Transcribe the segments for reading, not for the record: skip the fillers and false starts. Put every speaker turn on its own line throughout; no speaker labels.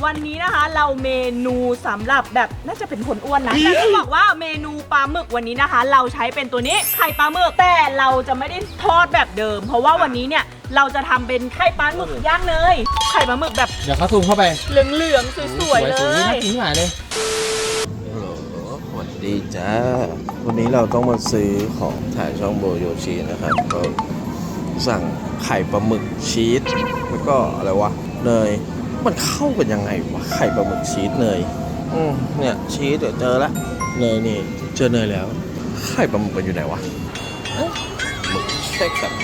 วันนี้นะคะเราเมนูสำหรับแบบน่าจะเป็นคนอ้วนนะแต่ต้องบอกว่าเมนูปลาหมึกวันนี้นะคะ เราใช้เป็นตัวนี้ไข่ปลาหมึกแต่เราจะไม่ได้ทอดแบบเดิม เพราะว่าวันนี้เนี่ยเราจะทำเป็นไข่ปลาหมึกย่างเนยไข่ปลาหมึกแบบ
เดี๋ยวเขาซูมเข้าไป
เหลืองๆสวยๆเล
น่าย กินหายเลย
สวัสดีจ้าวันนี้เราต้องมาซื้อของถ่ายช่องโบโยชินะครับก็สั่งไข่ปลาหมึกชีสแล้วก็อะไรวะเนยมันเข้ากันยังไงวะไข่ปลาหมึกชีสเนยเนี่ยชีสเดี๋ยวเจอละเนยนี่เจอเนยแล้วไข่ปลาหมึกมันอยู่ไหนวะหมึกแค่แบบ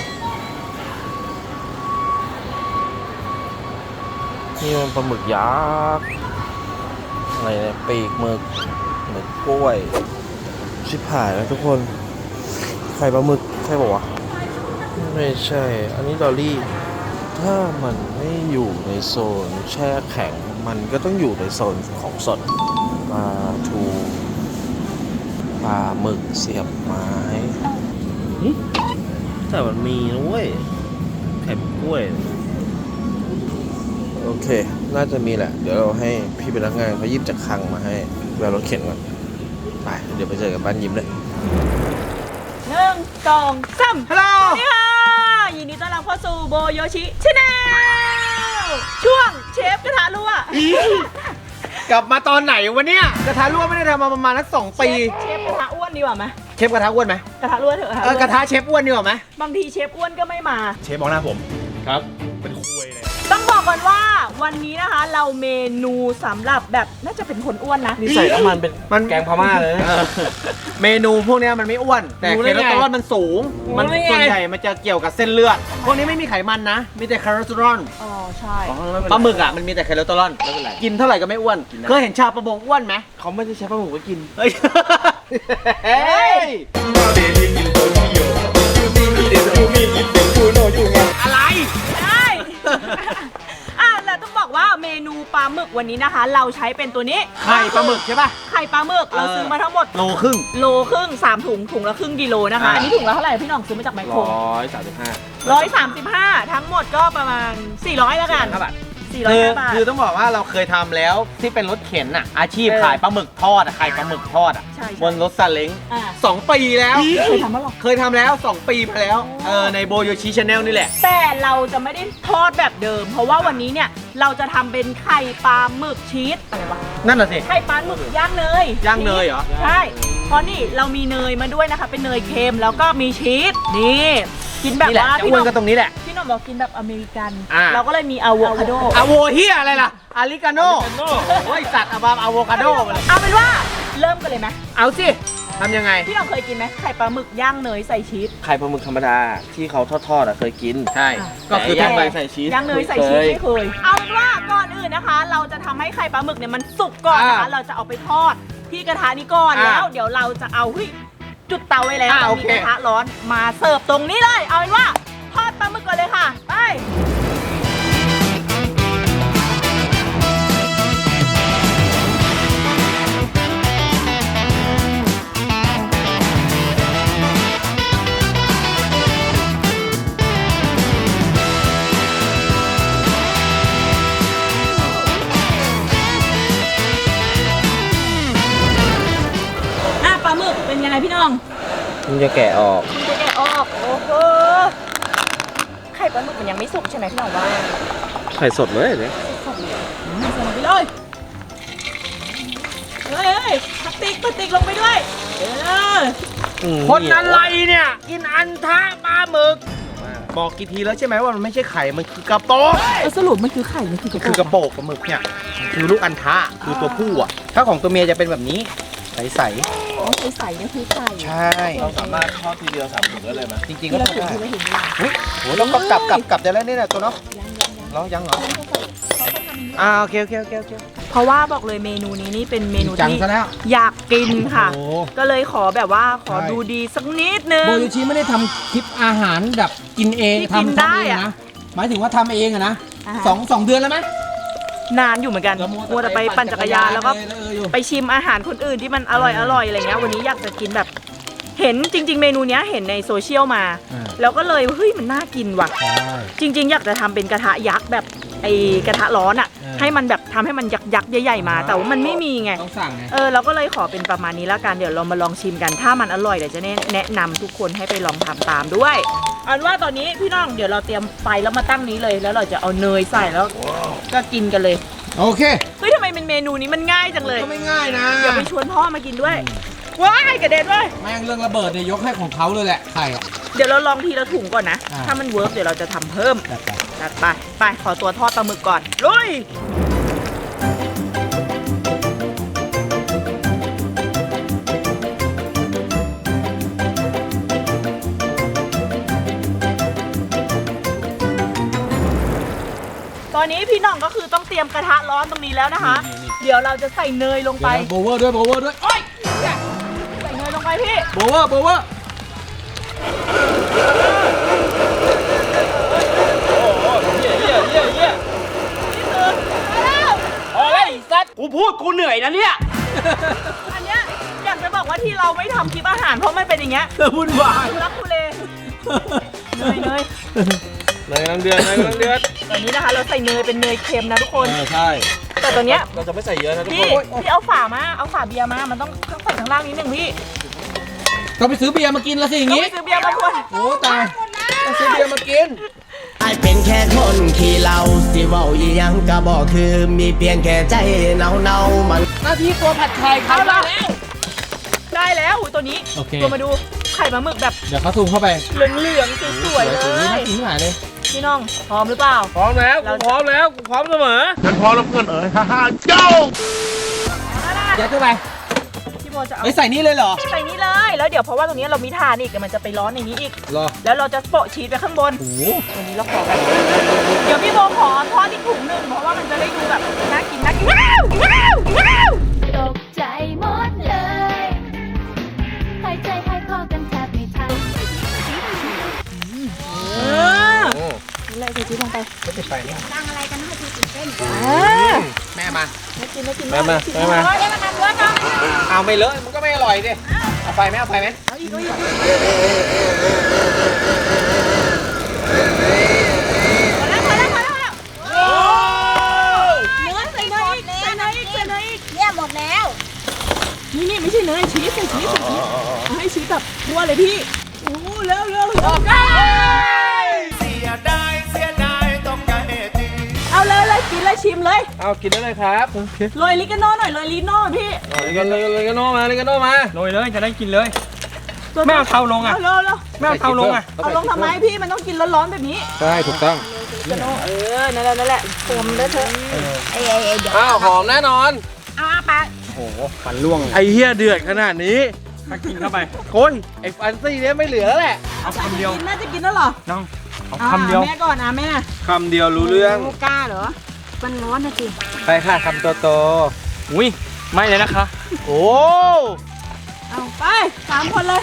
นี่มันปลาหมึกยักษ์อะไรเนี่ยปีกหมึกกล้วยชิบหายแล้วทุกคนไข่ปลาหมึกใช่ป่าวะไม่ใช่อันนี้ดอลลี่ถ้ามันไม่อยู่ในโซนแช่แข็งมันก็ต้องอยู่ในโซนของสดปลาทูปลาหมึกเสียบไม้แต่มันมีนะเว้ยไข่กล้วยโอเคน่าจะมีแหละเดี๋ยวเราให้พี่พนักงานเขายิบจากคลังมาให้แววรถเข็นก่อนไปเดี๋ยวไปเจอกันบ้านยิ้มเลย
1 2 3ฮัลโหลสวัสดีค่ะยินดีต้อนรับเข้าสู่โบโยชิชาแนลช่วงเชฟกระทะรั่ว
กลับมาตอนไหนวะเนี่ยกระทะรั่วไม่ได้ทำมาประมาณนัก2 ปี
เชฟกระทะอ้วนดีกว่าไหม
เชฟกระทะอ้วนไหม
กระทะรั่วเถอะ
กระทะเชฟอ้วนดีกว่าไหม
บางทีเชฟอ้วนก็ไม่มา
เชฟมองหน้าผมครับเป็นคุยเลย
ต้องบอกก่อนว่าวันนี้นะคะเราเมนูสำหรับแบบน่าจะเป็นคนอ้วนนะ
นี่ใส่น้ำมันเป็นแกงพม่าเลย
เมนูพวกนี้มันไม่อ้วนแต่คอเลสเตอรอลมันสูงมันส่วนใหญ่มันจะเกี่ยวกับเส้นเลือดพวกนี้ไม่มีไขมันนะมีแต่คอเลสเตอรอล
อ๋อใช่
ปลาหมึกอ่ะมันมีแต่คอเลสเตอรอลกินเท่าไหร่ก็ไม่อ้วนเคยเห็นชาวประมงอ้วนไหม
เขาไม่ได้ใช้ปลาหมึกไว้กิน
เฮ้ยเฮ้ยอะไร
ใช่ แล้วต้องบอกว่าเมนูปลาหมึกวันนี้นะคะ เราใช้เป็นตัวนี้
ไข่ปลาหมึกใช่ป่ะ
ไข่ปลาหมึกเราซื้อมาทั้งหมด
โลครึ่ง
โลครึ่ง3 ถุงถุงละครึ่งกิโลนะคะ อันนี้ถุงละเท่าไหร่พี่น้องซื้อมาจากไมโคร 135ทั้งหมดก็ประมาณ400แล้วกัน
400 บาท
400 บาท
คือต้องบอกว่าเราเคยทำแล้วที่เป็นรถเข็นอ่ะอาชีพขายปลาหมึกทอดอ่ะขายปลาหมึกทอดอ่ะ
ใช่
บนรถซาเล้ง
อ่า
2 ปีแล้ว
เคยทำมั้ยหรอ
เคยทำแล้ว 2 ปีมาแล้วในโบโยชิชาแนลนี่แหละ
แต่เราจะไม่ได้ทอดแบบเดิม เพราะว่าวันนี้เนี่ยเราจะทำเป็นไข่ปลาหมึกชีสอะไรวะ
นั่นน่ะสิ
ไข่ปลาหมึกย่างเนย
ย่างเนยเหรอ
ใช่เพราะนี่เรามีเนยมาด้วยนะคะเป็นเนยเค็มแล้วก็มีชีสนี่กินแบบ
นี่แหละ
ว่า
จะอ้วนกันตรงนี้แหละ
พี่หน้องบอกกินแบบอเมริกัน
อ่า
เราก็เลยมีอะโวคาโด
อะโวเฮียอะไรล่ะอาริกาโน่โอ้ยสัตว์อะบามอะโวคาโดมาเลย
เอาเป็นว่าเริ่มกันเลยไหม
เอาสิทำยังไง
พี่หน้องเคยกินไหมไข่ปลาหมึกย่างเนยใส่ชีส
ไข่ปลาหมึกธรรมดาที่เขาทอดๆอ่ะเคยกิน
ใช่ ก็คือ
แต่
ทั่วไป
ใส่ชีส
ย่างเนยใส่ชีสไม่เคยเอาเป็นว่าก่อนอื่นนะคะ เราจะทำให้ไข่ปลาหมึกเนี่ยมันสุกก่อนนะคะเราจะเอาไปทอดที่กระทะนี้ก่อนแล้วเดี๋ยวเราจะเอาจุดเตาไว้แล้วมีกระทะร้อนมาเสิร์ฟตรงนี้เลยเอาเป็นว่าทอดปลาหมึกก่อนเลยค่ะไปปลาหมึกเป็นยังไงพี่น้อง
มันจะแกะออก
มันจะแกะออกโอ้โหไข่ปลาหมึกมันยังไม่สุกใช่ไหมพี่น้องว่า
ไข่สดเลยเนี่ย
ใส่ลงไปเลยเฮ้ยพลาสติกลงไปด้วย
คนอะไรเนี่ยกินอันทะปลาหมึกบอกกี่ทีแล้วใช่ไหมว่ามันไม่ใช่ไข่มันคือกระโปง
สรุปมันคือไข่มันคือกระ
คือกระโปงปลาหมึกเนี่ยคือลูกอันทะคือตัวผู้อ่ะถ้าของตัวเมียจะเป็นแบบนี้ใส
อ๋อใส่เนี่ยคือไข่
ๆใช่
เราสามารถทอดทีเดียว3 ถุงได้เลยไหม
จริงๆ
ที่
ก็
เรา
ทำ
ถือ
ได้
ที่เราเห็นอยู่
โหต้องกลับได้แล้วนี่แหละตัวเนาะแล้วยังเหรอโอเค
เพราะว่าบอกเลยเมนูนี้นี่เป็นเมนู
จัง
ที่
ซะแล้ว
อยากกินค่ะ
โอ้
ก็เลยขอแบบว่าขอดูดีสักนิดนึง
โบโยชิไม่ได้ทำคลิปอาหารแบบกินเอง
ที่กิน
ทำ
ได้
เอง
อะ
นะหมายถึงว่าทำเองอะนะ
อ่า
สองเดือนแล้วไหม
นานอยู่เหมือนกันมัวแต่ไปปั่นจักรยานแล้วก็
อยู่
ไปชิมอาหารคนอื่นที่มันอร่อยอะไรเงี้ยวันนี้อยากจะกินแบบ เห็นจริง ๆ เมนูเนี้ยเห็นในโซเชียลมา แล้วก็เลยเฮ้ยมันน่ากินว่ะ
ใช่
จริง ๆ อยากจะทำเป็นกระทะยักษ์แบบไอกระทะร้อนอ่ะ ให้มันแบบทำให้มันยักษ์ใหญ่ๆมา แต่ว่ามันไม่มีไง
ต้องสั่งไง
เราก็เลยขอเป็นประมาณนี้แล้วกันเดี๋ยวเรามาลองชิมกันถ้ามันอร่อยเดี๋ยวจะแนะนำทุกคนให้ไปลองทำตามด้วยอันว่าตอนนี้พี่น้องเดี๋ยวเราเตรียมไฟแล้วมาตั้งนี้เลย แล้วเราจะเอาเนยใส่แล้วก็กินกันเลย
โอเค
เฮ้ยทำไมเป็นเมนูนี้มันง่ายจังเลย
ก็ไม่ง่ายนะ
เดี๋ยวไปชวนพ่อมากินด้วยว้ายกระเด็นด้วย
แม่งเรื่องระเบิดเนี่ยยกให้ของเขาเลยแหละไข่อะ
เดี๋ยวเราลองทีละถุงก่อนนะ
อ่า
ถ้ามันเวิร์กเดี๋ยวเราจะทำเพิ่ม
จัดไป
จัดไปไปขอตัวทอดปลาหมึกก่อนลุยตอนนี้พี่น้องก็คือต้องเตรียมกระทะร้อนตรงนี้แล้วนะคะ เดี๋ยวเราจะใส่เนยลงไป
เดี๋ยวโบเวอร์ด้วยโบเวอร์ด้วย
โอ๊ยใส่เนยลงไปพี่
โบเวอร์โบเวอร์
กูพูดกูเหนื่อยนะเนี่ย
อันเนี้ยอยากจะบอกว่าที่เราไม่ทำคลิปอาหารเพราะมันเป็นอย่างเงี้ย
วุ่นวาย
ทุลักทุเลเนย
เนยกำลังเดือดเนยกำลังเดือด
ตอนนี้นะคะเราใส่เนยเป็นเนยเค็มนะทุกคน
ใช่
แต่ตัวเนี้ย
เราจะไม่ใส่เยอะนะทุก
พี่
คน
พี่เอาฝามาเอาฝาเบียร์มามันต้องใส่ข้างล่างนิดนึงพี่
ก็ไปซื้อเบียร์มากินแล้วสิอย่าง
ต้อง
งี้
ไปซื้อเบียร์มาคน
โอ้ตายต้องซื้อเบียร์มากิน
ไอเป็นแค่คนขี้เหล้าสิเว้าอีหยังก็บอกคือมีเพียงแค่ใจเนาๆมัน
หน้าที่ตัวผัดไข่เขาได้แล้ว
ได้แล้วอุ๊ยตัวนี้
โอเค
ตัวมาดูไข่ปลาหมึกแบบ
เดี๋ยวเขาซูมเข้าไป
เหลืองๆสวยๆเล
น่า
ย
กินหายเลย
พี่น้องพร้อมหรือเปล่า
พร้อมแล้วกูพร้อมแล้วกูพร้อมเสมอฉันพร้อมแล้วเพื่อนเอ๋ยฮ่าฮ่าโจ้
ยัดเข้าไป
พี่โบจะเอา
เฮ้ยใส่นี่เลยเหรอ
ใส่นี้เลยแล้วเดี๋ยวเพราะว่าตรงนี้เรามีถ่านอีกเดี๋ยวมันจะไปร้อนในนี้อีก
รอ
แล้วเราจะโปะชีสไปข้างบน
โอ้โห
วันนี้เราขอกันเดี๋ยวพี่โบขอทอดอีกถุงหนึ่งเพราะว่ามันจะได้ดูแบบน่ากินน่ากินว้าวว้าวว้าว
ตกใจหมดเลยหายใจหายคอกันแทบไม่ทัน
นี่เลยใส่ชีสลงไป
ไม่ติดไฟนี่
แม่มา
น่ากินน่ากิน
มามามา
เดี๋ยวมันทำด้วยมั้ง
เอาไม่เลอะมันก็ไม่อร่อยดิเอาไฟไหมเอาไฟไหม
เอาอีกเอาอีกพอแล้วโอ้เนื้อใส่เนยอีกใส่เนยอีกใส่เนยอีก
เนี่ยหมดแล้ว
นี่ไม่ใช่เนยชีสใส่ชีสเอาให้ชีสแบบทั่วเลยพี่โอ้เร็วโอเคเอาเลยกินเลยชิมเลย
เอากินได้เลยครับ
โรยลิกาโน่หน่อยโรยลิโน่พี่
เลยกันโนมาเลยกันโนมา
โรยเลยจะได้กินเลย ไม่เอาเตาลงอ่ะ
เร็ว
ไม่เอาเตาลงอ่ะ
เอาลงทำไมพี่มันต้องกินร้อนๆแบบนี้
ใช่ถูกต้อง
ลิกาโน่นั่นแหละผมได้เถอะเดี๋ยว
อ้าวหอมแน่นอน
เอาไป
ฟันร่วง
ไอเฮียเดือดขนาดนี้
ถ้ากินเข้าไป
โอ้ยไอฟันซี่เนี่ยไม่เหลือแล้วแหละ
เอาคำเดียว
น่าจะกินแล้วเหรอ
น้องเอาคำเดียว
แม่ก่อนแม่
คำเดียวรู้เรื่อง
กล้าเหรอมันร้อนนะจิ
ไปค่ะคำโต
อุ้ยไม่เลยนะคะ
ๆโอ้
เอาไป3 คนเลย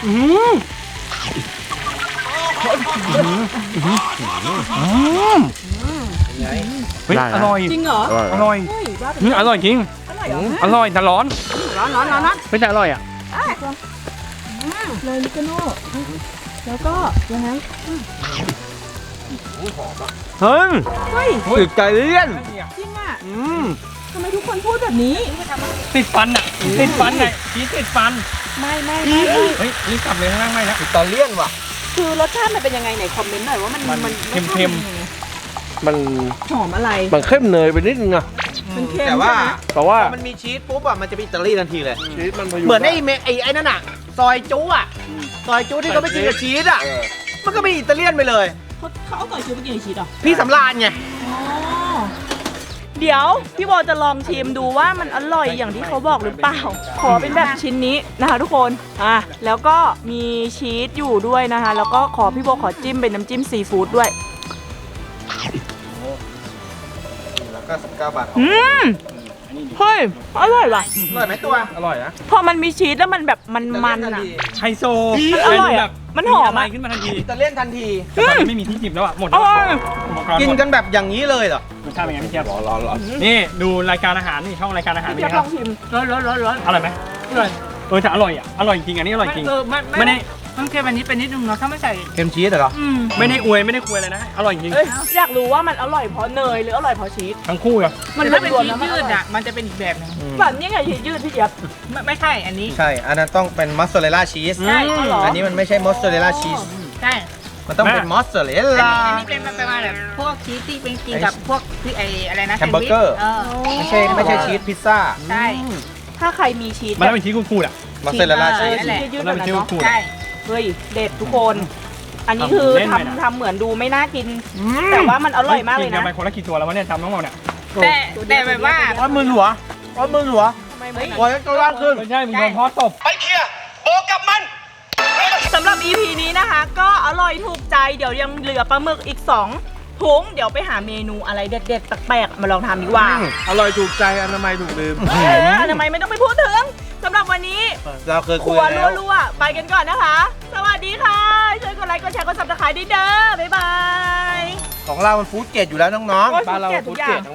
เฮ้ยอร่อย
จริงเหรอ
อร่อย
เฮ้ยว่า
อร่อยจริง
อร่อยเหรอ
อร่อยแต่ร้อน
ร้อน
ไม่แต่อร่อยอ่ะ
เลยลิกาโน่แล้วก็ยังไง
เฮ้ย
เฮ้ย
ติดใจเลี่ยน
จริงอ่ะ
อืม
ทำไมทุกคนพูดแบบนี้
ติดฟันอ่ะติดฟันไงชีสติดฟัน
ไม่
เฮ้ยรีบกลับเลยข้างล่างไม่แล้ว
ติดตาเลี่ยนว่ะ
คือรสชาติมันเป็นยังไงไหนคอมเมนต์หน่อยว่ามัน
เค็ม
มัน
หอมอะไร
มันเข้มเนยไปนิดนึงอะ
มันเค็ม
แต่ว่า
ใช่ไหม
แต่ว่า
มันมีชีสปุ๊บอ่ะ มันจะเป็นอิตาลีทันทีเลย
ชีสมันพยุ
เหมือนไอ้นั่นอ่ะ ซอยจุ๊อ่ะ ซอยจุ๊ที่เขาไปกินกับชีสอ่ะ มันก็เป็นอิตาเลียนไปเลย
เขาเอาต่อยชิวไปกินกับชีสเหรอ
พี่สำราญไง
เดี๋ยวพี่โบจะลองชิมดูว่ามันอร่อยอย่างที่เขาบอกหรือเปล่า ขอเป็นแบบชิ้นนี้นะคะทุกคนแล้วก็มีชีสอยู่ด้วยนะคะ แล้วก็พี่โบขอจิ้มเป็นน้ำจิ้มซีฟู้ดด้วย
แล้วก็19 บาท
เฮ้ยอร่อยว่ะ
อร่อยไหมตัว
อร่อยนะ
พอมันมีชีสแล้วมันแบบมันอ่ะ
ไฮโซ
มันอร่อยอะ
แบบ
มันหอมอะ
ะไรขึ้นมาทันที
อิตาเลียนทันที
แต่ตอนนี้ไม่มีที่จิบแล้วอ่ะหมด
อ
แล้ว
ร่อย
อุปกรณ์
กิน
หมด
กันแบบอย่างนี้เลยเหรอ
รสชาติเป็นไงพี่เจี๊ยบ
ร้อน
นี่ดูรายการอาหารนี่ช่องรายการอาหาร
พี่
นี่
จะ
ค
ล
รั
อบ งชิมร้อน
อร่อยไหมอร่อยแต่อร่อยอ่ะอร่อยจริงอันนี้อร่อยจริงไม่ได้มันเค็มอันนี้เป็นนิดนึงเนาะถ้าไม่ใส่
เค็มชีสเหรอ
ไม่ได้อวยไม่ได้คุยเลยนะอร่อยจริง
เอ้ยอยากรู้ว่ามันอร่อยเพราะเนยหรืออร่อยเพราะชีส
ทั้งคู่อะ
มัน
ถ้าเป็น
รวม
ชี
ๆ
ส
แล้วมัน
ยืด
อร่อย
อะมันจะเป็นอีกแบบนึง
แบบนี้ไงชีสยืดพี่เจี๊ยบ
ไม่ใช่อันนี้
ใช่ อันนั้นต้องเป็นมอสซาเรลล่าชีส
ใช่
อ๋อเหรอ
อันนี้มันไม่ใช่มอสซาเรลล่าชีส
ใช่
มันต้องเป็นมอสซาเรลล่า
อันนี้เป็นประมาณแบบพวกชีสที่เป็นกินกับพวกที่ไออะไรนะ
แฮมเบอร์เกอร์ ไม่ใช่ชีสพิซซ่า
ใช่
ถ้าใครมีชีส
มันต้องเป็นชีสคูดๆอะ
มอสซาเรลล่า
เอ
ชี
อ
ส
ชีสยืดๆ
มั
แบ
น
บ
เป็น
นั้น
ชีส
เนาะ
คูดๆ
ใช่เฮ้ยเด็ดทุกคน อันนี้คือ
เล่นไปนะ
ทำเหมือนดูไม่น่ากิน แต่ว่ามันอร่อยมากเลย
กิ
นะ
นไปคนละกี่ตัวแล้ววะเนี่ยจำน้องหมดเนี่ย
แต่แบบว่า
ร้อนมือหัวร้อนมือหัว
ทำไมไม่
หัวจะร่างขึ้น
ไม่ใช่มึงโดนพ่อตบ
สำหรับ EP นี้นะคะ ก็อร่อยถูกใจเดี๋ยวยังเหลือปลาหมึกอีก2ถุงเดี๋ยวไปหาเมนูอะไรเด็ดๆแปลกๆมาลองทำดีกว่า
อร่อยถูกใจอนามัยถูกลืม
อนามัยไม่ต้องไปพูดถึงสำหรับวันนี้
เราเคย
ค
คุ
รั
ยว แล้ว
รัวๆไปกันก่อนนะคะ สวัสดีค่ะ ช่วยกดไลค์กดแชร์กดซับสไครต์ด้วยเด้อบ๊ายบาย
ของเรามันฟู้ดเกรดอยู่แล้วน้องๆ
โอ้ยฟู้ดเกรดทุกอย่าง